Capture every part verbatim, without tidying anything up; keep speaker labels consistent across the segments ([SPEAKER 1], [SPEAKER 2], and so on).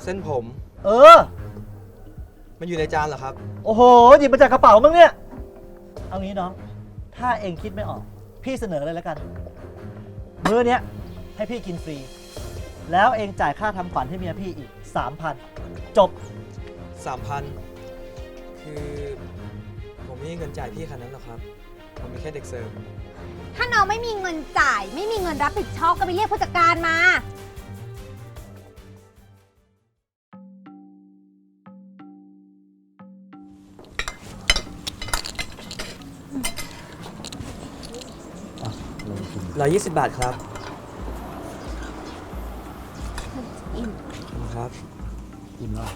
[SPEAKER 1] ส้นผม
[SPEAKER 2] เออ
[SPEAKER 1] มันอยู่ในจานเหรอครับ
[SPEAKER 2] โอ้โหหยิบมาจากกระเป๋ามึงเนี่ยเอางี้น้องถ้าเองคิดไม่ออกพี่เสนอเลยแล้วกันมื้อเนี้ยให้พี่กินฟรีแล้วเองจ่ายค่าทำขวัญให้เมียพี่อีก สามพัน จบ
[SPEAKER 1] สามพัน คือผมไม่มีเงินจ่ายพี่ขนาดนั้นหรอกครับ ผมเป็นแค่เด็กเสิร์ฟ
[SPEAKER 3] ถ้าน้องไม่มีเงินจ่ายไม่มีเงินรับผิดชอบก็ไปเรียกผู้จัดการมา
[SPEAKER 1] ร้อยยี่สิบบาทครับ
[SPEAKER 3] อิ่ม
[SPEAKER 1] ครับ
[SPEAKER 2] อิ่มแล้ว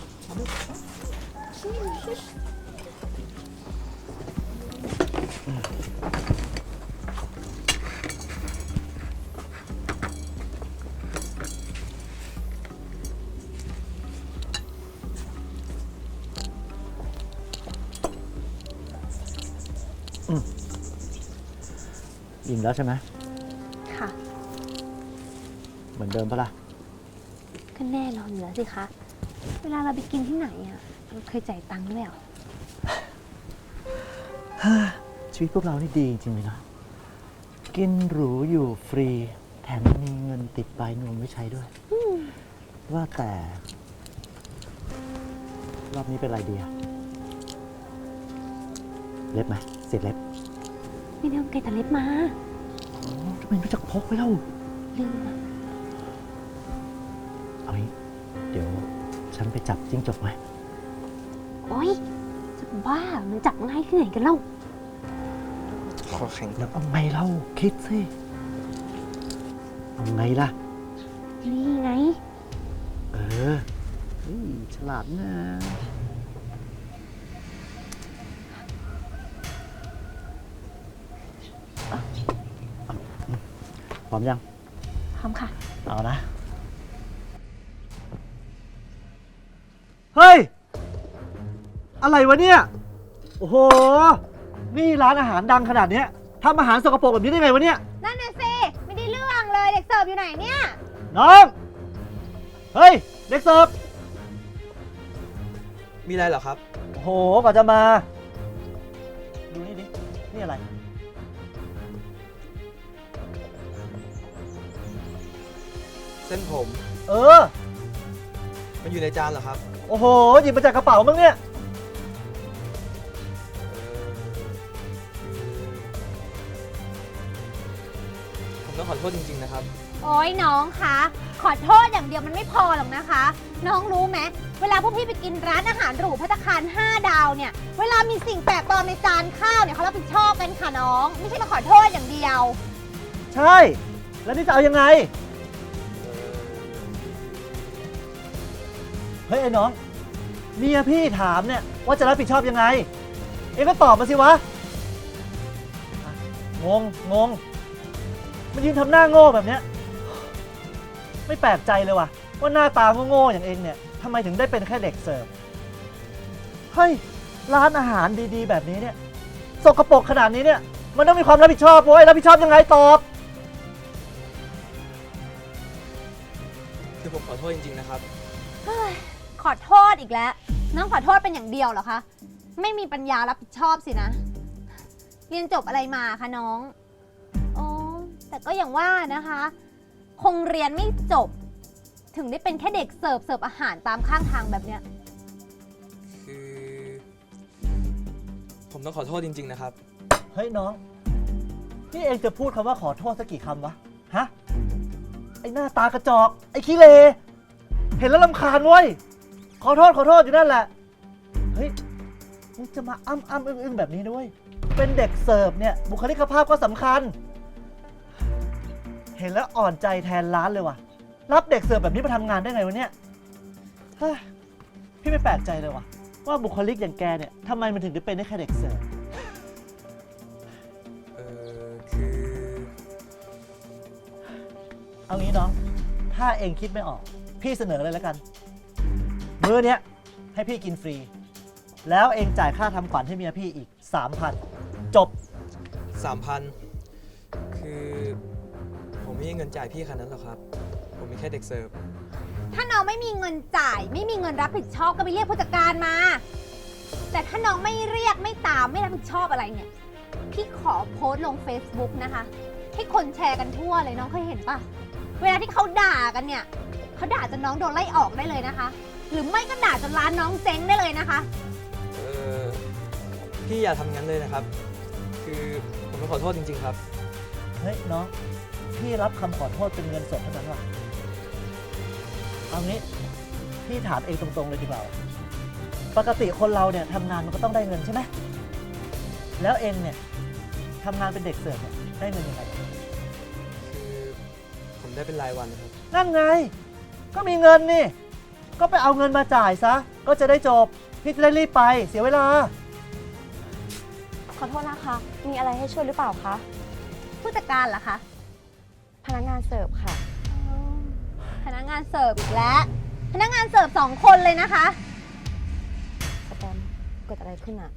[SPEAKER 2] อิ่มแล้วใช่ไหม
[SPEAKER 3] ค่ะ
[SPEAKER 2] เหมือนเดิมปะล่ะ
[SPEAKER 3] ก็แน่นอนอยู่แล้วสิคะเวลาเราไปกินที่ไหนอ่ะเราเคยจ่ายตังค์ด้วยเหรอ
[SPEAKER 2] ชีวิตพวกเรานี่ดีจริงๆเลยนะกินหรูอยู่ฟรีแถมยังมีเงินติดปลายนวมไว้ใช้ด้วยว่าแต่รอบนี้เป็นไรดีอะเล็บไหมเสร็จเล็บ
[SPEAKER 3] ไม่ได้เอาไก่ตะเล็บมา
[SPEAKER 2] โอ้ทำไมรู้จักพกไว้เล่า
[SPEAKER 3] ลืมอะ
[SPEAKER 2] เอางี้เดี๋ยวฉันไปจับจิ้งจกไหม
[SPEAKER 3] โอ๊ยจะบ้ามันจับง่ายที่ไหนกันเล่า
[SPEAKER 1] ขอแข็ง
[SPEAKER 2] แล้วเอาไงเล่าคิดสิเอาไงล่ะ
[SPEAKER 3] นี่ไง
[SPEAKER 2] เออเฮ้ยฉลาดนะอ่ะอ่ะพร้อมยัง
[SPEAKER 3] พร้อมค่ะ
[SPEAKER 2] เอานะ เฮ้ย อะไรวะเนี่ย โอ้โห นี่ร้านอาหารดังขนาดเนี้ยทำอาหารสกปรกแบบนี้ได้ไงวะเนี่ย
[SPEAKER 3] นั่นน่ะสิไม่ได้เรื่องเลยเด็กเสิร์ฟอยู่ไหนเนี่ย
[SPEAKER 2] น้อง เฮ้ย เด็กเสิร์ฟ
[SPEAKER 1] มีอะไรเหรอครับ
[SPEAKER 2] โอ้โหกว่าจะมา ดูนี่ดิ นี่อะไร
[SPEAKER 1] เส้นผม
[SPEAKER 2] เออ
[SPEAKER 1] มันอยู่ในจานเหรอครับ
[SPEAKER 2] โอ้โห หยิบมาจากกระเป๋ามึงเนี่ย
[SPEAKER 1] ผมต้องขอโทษจริงๆนะครับ
[SPEAKER 3] โอ๊ยน้องคะขอโทษอย่างเดียวมันไม่พอหรอกนะคะ น้องรู้ไหมเวลาพวกพี่ไปกินร้านอาหารหรูภัตตาคารห้าดาวเนี่ยเวลามีสิ่งแปลกปลอมในจานข้าวเนี่ยเขารับผิดชอบกันค่ะน้อง ไม่ใช่มาขอโทษอย่างเดียว
[SPEAKER 2] ใช่ แล้วนี่จะเอายังไง เฮ้ย ไอ้น้อง เมียพี่ถามเนี่ยว่าจะรับผิดชอบยังไง เอ็งก็ตอบมาสิวะอ่ะงง งง มันยืนทำหน้าโง่แบบเนี้ย ไม่แปลกใจเลยว่ะว่าหน้าตาโง่ๆอย่างเองเนี่ยทำไมถึงได้เป็นแค่เด็กเสิร์ฟ เฮ้ย ร้านอาหารดีๆแบบนี้เนี่ยสกปรกขนาดนี้เนี่ยมันต้องมีความรับผิดชอบเว้ยรับผิดชอบยังไงตอบ
[SPEAKER 1] คือผมขอโทษจริงๆนะครับ
[SPEAKER 3] เฮ้ยขอโทษอีกแล้ว น้องขอโทษเป็นอย่างเดียวเหรอคะ ไม่มีปัญญารับผิดชอบสินะ เรียนจบอะไรมาคะน้องอ๋อแต่ก็อย่างว่านะคะ คงเรียนไม่จบ ถึงได้เป็นแค่เด็กเสิร์ฟเสิร์ฟอาหารตามข้างทางแบบเนี้ย
[SPEAKER 1] คือ ผมต้องขอโทษจริงๆนะครับ
[SPEAKER 2] เฮ้ยน้อง นี่เองจะพูดคำว่าขอโทษสักกี่คำวะ ฮะ ไอ้หน้าตากระจอก ไอ้ขี้เล เห็นแล้วรำคาญเว้ย ขอโทษขอโทษอยู่นั่นแหละ เฮ้ย มึงจะมาอ้ำอ้ำอึ้งอึ้งแบบนี้ด้วย เป็นเด็กเสิร์ฟเนี่ยบุคลิกภาพก็สำคัญ เห็นแล้วอ่อนใจแทนร้านเลยว่ะ รับเด็กเสิร์ฟแบบนี้มาทำงานได้ไงวะเนี่ย เฮ้ย พี่ไม่แปลกใจเลยว่ะ ว่าบุคลิกอย่างแกเนี่ยทำไมมันถึงได้เป็นได้แค่เด็กเสิร์ฟ
[SPEAKER 1] เออคือ
[SPEAKER 2] เอางี้น้อง ถ้าเองคิดไม่ออก พี่เสนอเลยแล้วกัน มื้อเนี้ยให้พี่กินฟรี แล้วเองจ่ายค่าทำขวัญให้เมียพี่อีก สามพัน จบ
[SPEAKER 1] สามพัน คือผมไม่มีเงินจ่ายพี่ขนาดนั้นหรอกครับ ผมเป็นแค่เด็กเสิร์ฟ
[SPEAKER 3] ถ้าน้องไม่มีเงินจ่าย ไม่มีเงินรับผิดชอบก็ไปเรียกผู้จัดการมา แต่ถ้าน้องไม่เรียกไม่ตามไม่รับผิดชอบอะไรเนี่ย พี่ขอโพสต์ลง Facebook นะคะ ให้คนแชร์กันทั่วเลยน้องเคยเห็นปะเวลาที่เขาด่ากันเนี่ยเขาด่าจนน้องโดนไล่ออกได้เลยนะคะ หรือไม่ก็ด่าจนร้านน้องเจ๊งได้เลยนะคะ
[SPEAKER 1] เออพี่อย่าทำงั้นเลยนะครับ คือผมต้องขอโทษจริงๆครับ
[SPEAKER 2] เฮ้ยน้อง พี่รับคำขอโทษเป็นเงินสดเท่านั้นว่ะเอางี้ พี่ถามเองตรงๆเลยดีกว่า ปกติคนเราเนี่ยทำงานมันก็ต้องได้เงินใช่ไหม แล้วเองเนี่ยทำงานเป็นเด็กเสิร์ฟเนี่ยได้เงินยังไง
[SPEAKER 1] คือผมได้เป็นรายวันนะครับ
[SPEAKER 2] นั่นไง ก็มีเงินนี่ ก็ไปเอาเงินมาจ่ายซะ ก็จะได้จบ พี่จะได้รีบไป เสียเวลา
[SPEAKER 4] ขอโทษนะคะ มีอะไรให้ช่วยหรือเปล่าคะ
[SPEAKER 3] ผู้จัดการเหรอคะ
[SPEAKER 4] พนักงานเสิร์ฟค่ะ
[SPEAKER 3] พนักงานเสิร์ฟอีกแล้ว พนักงานเสิร์ฟสองคนเลยนะคะ
[SPEAKER 4] สแตมป์เกิดอะไรขึ้นอะ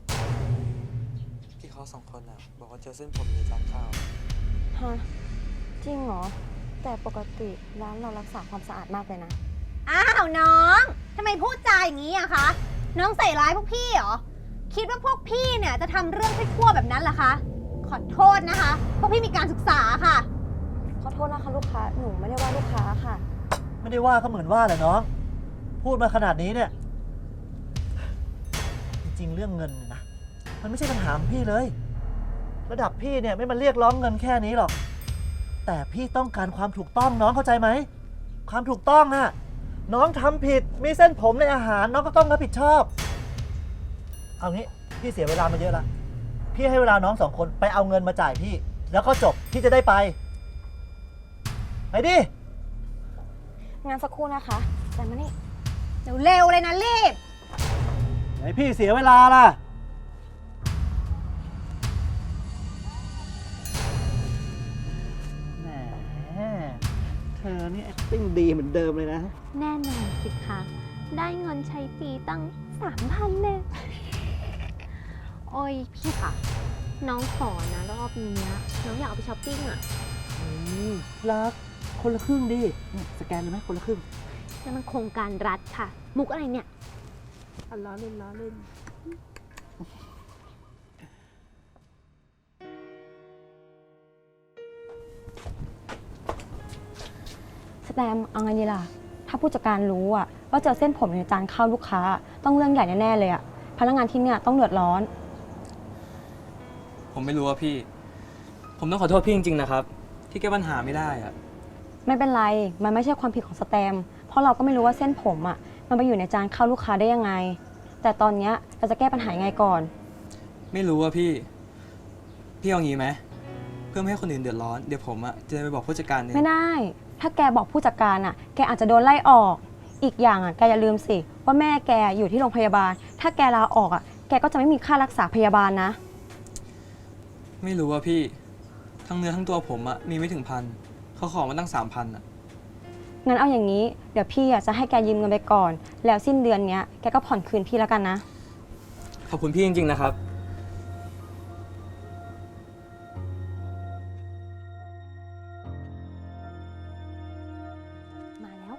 [SPEAKER 1] พี่เขาสองคนนะบอกว่าเจอเส้นผมในจานข้าว
[SPEAKER 4] ฮะ จริงเหรอ แต่ปกติร้านเรารักษาความสะอาดมากเลยนะ
[SPEAKER 3] อ้าวน้องทำไมพูดจาอย่างนี้อะคะ น้องใส่ร้ายพวกพี่เหรอ คิดว่าพวกพี่เนี่ยจะทำเรื่องชั่วๆแบบนั้นเหรอคะ ขอโทษนะคะ พวกพี่มีการศึกษาค่ะ
[SPEAKER 4] ขอโทษนะคะลูกค้า หนูไม่ได้ว่าลูกค้าค่ะ
[SPEAKER 2] ไม่ได้ว่าก็เหมือนว่าแหละน้อง พูดมาขนาดนี้เนี่ย จริงๆ เรื่องเงินเนี่ยนะ มันไม่ใช่ปัญหาของพี่เลย ระดับพี่เนี่ยไม่มาเรียกร้องเงินแค่นี้หรอก แต่พี่ต้องการความถูกต้องน้องเข้าใจไหม ความถูกต้องอะน้องทำผิด มีเส้นผมในอาหาร น้องก็ต้องรับผิดชอบ เอางี้พี่เสียเวลามาเยอะละ พี่ให้เวลาน้องสองคนไปเอาเงินมาจ่ายพี่ แล้วก็จบ พี่จะได้ไป ไปดิ
[SPEAKER 4] งานสักครู่นะคะ แต่มานี่
[SPEAKER 3] เร็วๆเลยนะรีบ
[SPEAKER 2] ไหนพี่เสียเวลาล่ะ แหม เธอนี่ acting ดีเหมือนเดิมเลยนะ
[SPEAKER 3] แน่นอนสิคะ ได้เงินใช้ฟรีตั้งสามพันเลย โอ้ยพี่ค่ะ น้องขอนะรอบนี้น้องอยากเอาไปช้อปปิ้งอะ
[SPEAKER 2] อืมรัก คนละครึ่งดินี่สแกนเลยไหมคนละครึ่ง
[SPEAKER 3] นั่นมันโครงการรัฐค่ะ มุกอะไรเนี่ย
[SPEAKER 2] อันล้อเล่นล้อเล่น
[SPEAKER 4] สแตมป์เอาไงดีล่ะ ถ้าผู้จัดการรู้อะว่าเจอเส้นผมในจานข้าวลูกค้า ต้องเรื่องใหญ่แน่ๆเลยอะพนักงานที่เนี่ยต้องเดือดร้อน
[SPEAKER 1] ผมไม่รู้ว่าพี่ ผมต้องขอโทษพี่จริงๆนะครับ ที่แก้ปัญหาไม่ได้อะ
[SPEAKER 4] ไม่เป็นไร มันไม่ใช่ความผิดของสแตมป์เพราะเราก็ไม่รู้ว่าเส้นผมอะมันไปอยู่ในจานข้าวลูกค้าได้ยังไง แต่ตอนเนี้ยเราจะแก้ปัญหายังไงก่อน
[SPEAKER 1] ไม่รู้ว่าพี่ พี่เอางี้ไหมเพื่อไม่ให้คนอื่นเดือดร้อน เดี๋ยวผมอะจะไปบอกผู้จัดการเอง
[SPEAKER 4] ไม่ได้ ถ้าแกบอกผู้จัดการอะแกอาจจะโดนไล่ออก อีกอย่างอะแกอย่าลืมสิว่าแม่แกอยู่ที่โรงพยาบาล ถ้าแกลาออกอะแกก็จะไม่มีค่ารักษาพยาบาลนะ
[SPEAKER 1] ไม่รู้ว่าพี่ ทั้งเนื้อทั้งตัวผมอะมีไม่ถึงพันเขาขอมาตั้งสามพันอะ
[SPEAKER 4] งั้นเอาอย่างนี้ เดี๋ยวพี่อะจะให้แกยืมเงินไปก่อน แล้วสิ้นเดือนเนี้ยแกก็ผ่อนคืนพี่แล้วกันนะ
[SPEAKER 1] ขอบคุณพี่จริงๆนะครับ
[SPEAKER 3] มาแล้ว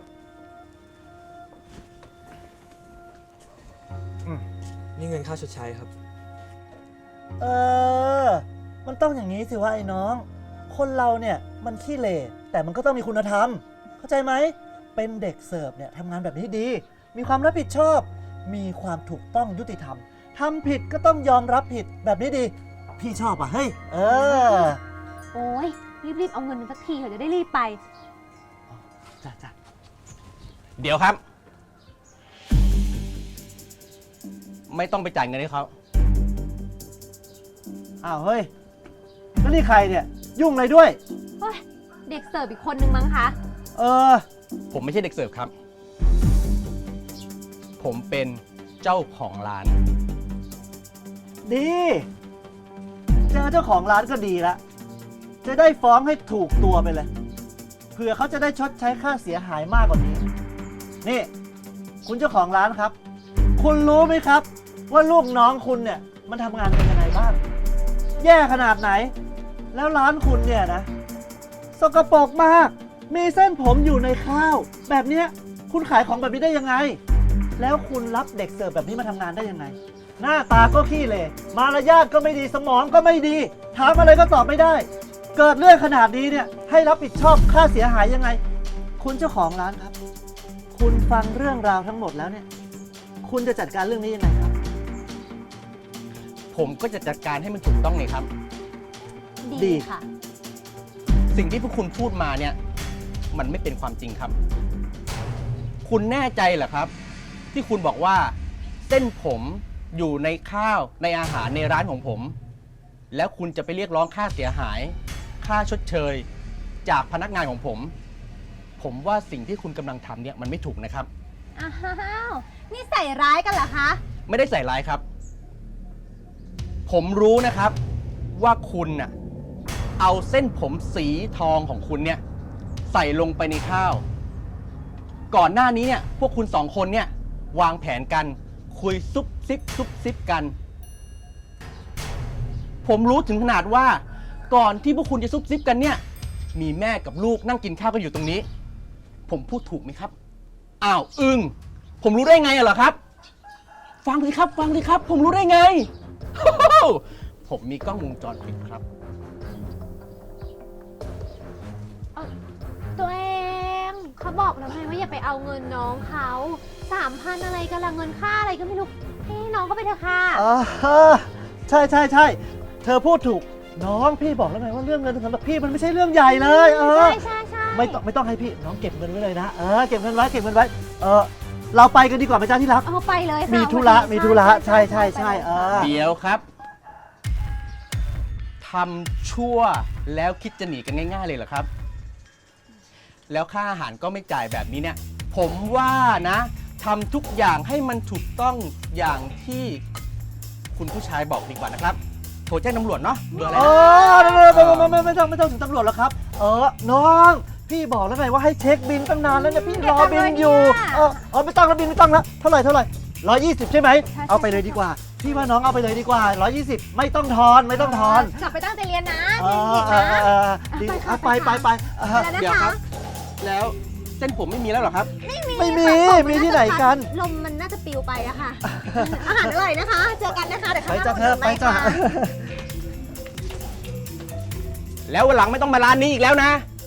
[SPEAKER 1] นี่เงินค่าชดใช้ครับ
[SPEAKER 2] เออ มันต้องอย่างนี้สิว่าไอ้น้อง คนเราเนี่ยมันขี้เหร่แต่มันก็ต้องมีคุณธรรม เข้าใจไหม เป็นเด็กเสิร์ฟเนี่ยทำงานแบบนี้ดี มีความรับผิดชอบ มีความถูกต้องยุติธรรมทำผิดก็ต้องยอมรับผิดแบบนี้ดี พี่ชอบอ่ะ เฮ้ย เออ
[SPEAKER 3] โอ้ยรีบๆเอาเงินสักทีเถอะจะได้รีบไป
[SPEAKER 2] จ้ะจ้ะ
[SPEAKER 5] เดี๋ยวครับ ไม่ต้องไปจ่ายเงินให้เขา
[SPEAKER 2] อ้าว เฮ้ย แล้วนี่ใครเนี่ย ยุ่งอะไรด้วย
[SPEAKER 3] โอ้ยเด็กเสิร์ฟอีกคนนึงมั้งคะ
[SPEAKER 2] เออ
[SPEAKER 5] ผมไม่ใช่เด็กเสิร์ฟครับ ผมเป็นเจ้าของร้าน
[SPEAKER 2] ดี เจอเจ้าของร้านก็ดีละ จะได้ฟ้องให้ถูกตัวไปเลย เผื่อเขาจะได้ชดใช้ค่าเสียหายมากกว่านี้ นี่ คุณเจ้าของร้านครับ คุณรู้ไหมครับ ว่าลูกน้องคุณเนี่ย มันทำงานเป็นยังไงบ้าง แย่ขนาดไหน แล้วร้านคุณเนี่ยนะ สกปรกมากมีเส้นผมอยู่ในข้าว แบบเนี้ยคุณขายของแบบนี้ได้ยังไง แล้วคุณรับเด็กเสิร์ฟแบบนี้มาทำงานได้ยังไง หน้าตาก็ขี้เหร่มารยาทก็ไม่ดีสมองก็ไม่ดี ถามอะไรก็ตอบไม่ได้ เกิดเรื่องขนาดนี้เนี่ยให้รับผิดชอบค่าเสียหายยังไง คุณเจ้าของร้านครับ คุณฟังเรื่องราวทั้งหมดแล้วเนี่ย คุณจะจัดการเรื่องนี้ยังไงครับ
[SPEAKER 5] ผมก็จะจัดการให้มันถูกต้องไงครับ
[SPEAKER 2] ดี
[SPEAKER 3] ดีค่ะ
[SPEAKER 5] สิ่งที่พวกคุณพูดมาเนี่ย มันไม่เป็นความจริงครับ คุณแน่ใจเหรอครับ ที่คุณบอกว่า เส้นผมอยู่ในข้าวในอาหารในร้านของผม แล้วคุณจะไปเรียกร้องค่าเสียหาย ค่าชดเชย จากพนักงานของผม ผมว่าสิ่งที่คุณกำลังทำเนี่ยมันไม่ถูกนะครับ
[SPEAKER 3] อ้าว นี่ใส่ร้ายกันเหรอคะ
[SPEAKER 5] ไม่ได้ใส่ร้ายครับ ผมรู้นะครับว่าคุณน่ะเอาเส้นผมสีทองของคุณเนี่ยใส่ลงไปในข้าว ก่อนหน้านี้เนี่ยพวกคุณสองคนเนี่ยวางแผนกันคุยซุบซิบซุบซิบกัน ผมรู้ถึงขนาดว่าก่อนที่พวกคุณจะซุบซิบกันเนี่ยมีแม่กับลูกนั่งกินข้าวกันอยู่ตรงนี้ ผมพูดถูกไหมครับอ้าวอึ้งผมรู้ได้ไงอะเหรอครับ ฟังสิครับฟังสิครับ ผมรู้ได้ไง ผมมีกล้องวงจรปิดครับ
[SPEAKER 3] ตัวเองเขาบอกแล้วไงว่าอย่าไปเอาเงินน้องเขาสามพันอะไรกันละเงินค่าอะไรก็ไม่รู้ให้น้องก็ไปเถอะค่ะ
[SPEAKER 2] อ่าใช่ใช่ใช่เธอพูดถูกน้องพี่บอกแล้วไงว่าเรื่องเงินสำหรับพี่มันไม่ใช่เรื่องใหญ่เลยเออ
[SPEAKER 3] ใช่ใช่ใช่
[SPEAKER 2] ไม่ต้องไม่ต้องให้พี่น้องเก็บเงินไว้เลยนะเออเก็บเงินไว้เก็บเงินไว้เออเราไปกันดีกว่าไหมจ้าที่รัก
[SPEAKER 3] เอาไปเลยค่ะ
[SPEAKER 2] มีธุระ
[SPEAKER 3] วันนี้
[SPEAKER 2] มีธุระใช่ใช่ใช่เออ
[SPEAKER 5] เดี๋ยวครับทำชั่วแล้วคิดจะหนีกันง่ายๆเลยเหรอครับ แล้วค่าอาหารก็ไม่จ่ายแบบนี้เนี่ย ผมว่านะทำทุกอย่างให้มันถูกต้องอย่างที่คุณผู้ชายบอกดีกว่านะครับ โทรแจ้งตำรวจเนาะเบอร์อะไร
[SPEAKER 2] เอ
[SPEAKER 5] นะ
[SPEAKER 2] อไม่ไม่ไม่ไม่ต้องไม่ต้องถึงตำรวจหรอกครับเออน้องพี่บอกแล้วไงว่าให้เช็คบินตั้งนานแล้วเนี่ยพี่รอบินอยู่เออเออไม่ต้องแล้วบินไม่ต้องแล้วเท่าไหร่เท่าไหร่ร้อยยี่สิบใช่ไหมเอาไปเลยดีกว่าพี่ว่าน้องเอาไปเลยดีกว่าร้อยยี่สิบไม่ต้องทอนไม่ต้องทอน
[SPEAKER 3] กลับไปตั้งใจเรียนนะ
[SPEAKER 2] เอ
[SPEAKER 3] เรียน
[SPEAKER 2] อ
[SPEAKER 3] เก่ง
[SPEAKER 2] เออ
[SPEAKER 3] นะ
[SPEAKER 2] เออดี
[SPEAKER 3] ไปค่ะ
[SPEAKER 2] อ่ะไปไปไปเออ
[SPEAKER 3] แล้วนะ
[SPEAKER 5] เดี๋ยว
[SPEAKER 3] คะ
[SPEAKER 5] ครับ แล้วเส้นผมไม่มีแล้วเหรอครับ
[SPEAKER 2] ไม่มี
[SPEAKER 3] ค่ะ
[SPEAKER 2] มีที่ไหนกัน
[SPEAKER 3] ลมมันน่าจะปลิวไปอะค่ะ อาหารอร่อยนะคะ เจอกันนะคะเดี๋ยว
[SPEAKER 2] ไป
[SPEAKER 3] ข้างหน้า
[SPEAKER 2] จ้ะเธอ
[SPEAKER 3] มา
[SPEAKER 2] ไปจ้ะ
[SPEAKER 3] ค่ะ
[SPEAKER 5] แล้ววันหลังไม่ต้องมาร้านนี้อีกแล้วนะ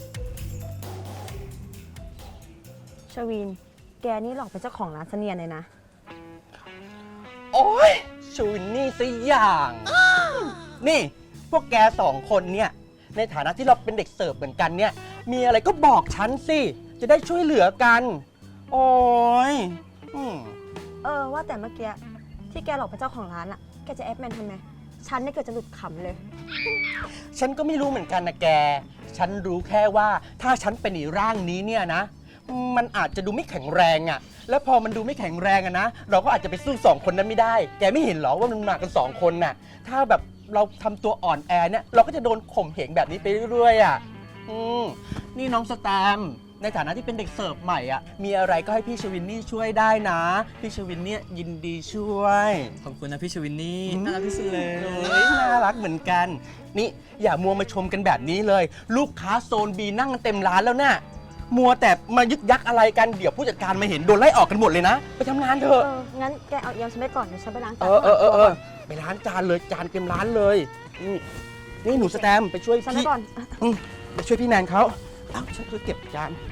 [SPEAKER 4] ชวิน แกนี่หลอกเป็นเจ้าของร้านเสนียนเลยนะ
[SPEAKER 5] โอ้ยชูนนี่สิอย่าง นี่ พวกแกสองคนเนี่ย ในฐานะที่เราเป็นเด็กเสิร์ฟเหมือนกันเนี่ย มีอะไรก็บอกฉันสิ จะได้ช่วยเหลือกัน โอ้ยอืม
[SPEAKER 4] เออว่าแต่เมื่อกี้ที่แกหลอกเป็นเจ้าของร้านอะแกจะแอปแมนทำไม ฉันเนี่ยเกิดจะหลุดขำเลย
[SPEAKER 5] ฉันก็ไม่รู้เหมือนกันนะแก ฉันรู้แค่ว่าถ้าฉันเป็นอีร่างนี้เนี่ยนะ มันอาจจะดูไม่แข็งแรงอะ่ะ แล้วพอมันดูไม่แข็งแรงอะนะ เราก็อาจจะไปสู้สองคนนั้นไม่ได้ แกไม่เห็นหรอว่ามันมากันสองคนน่ะ ถ้าแบบเราทำตัวอ่อนแอเนี่ย เราก็จะโดนข่มเหงแบบนี้ไปเรื่อยๆอ่ะ อืมนี่น้องสแตมป์ในฐานะที่เป็นเด็กเสิร์ฟใหม่อ่ะ มีอะไรก็ให้พี่ชวินนี่ช่วยได้นะ พี่ชวินเนี่ยยินดีช่วย
[SPEAKER 1] ขอบคุณนะพี่ชวินนี่
[SPEAKER 5] อืม
[SPEAKER 1] น่ารักที่สุดเลย
[SPEAKER 5] เฮ้ยน่ารักเหมือนกัน นี่อย่ามัวมาชมกันแบบนี้เลย ลูกค้าโซน บี นั่งกันเต็มร้านแล้วนะ่ะมัวแต่มายึกยักอะไรกัน เดี๋ยวผู้จัดการมาเห็นโดนไล่ออกกันหมดเลยนะ ไปทำงานเถ
[SPEAKER 4] เอ
[SPEAKER 5] อะ
[SPEAKER 4] อ งั้นแกเอาเอียมฉันไปก่อนเดี๋ยวฉันไปล้าง
[SPEAKER 5] เอ
[SPEAKER 4] จาน
[SPEAKER 5] อเออเออเออไปล้างจานเลยจานเต็มร้านเลยนี่นี่หนูสแตมป์ไปช่วย
[SPEAKER 4] ฉันไป
[SPEAKER 5] พี่
[SPEAKER 4] ก่อน
[SPEAKER 5] อืมไปช่วยพี่แนนเขาเอ้าฉันก็เก็บจาน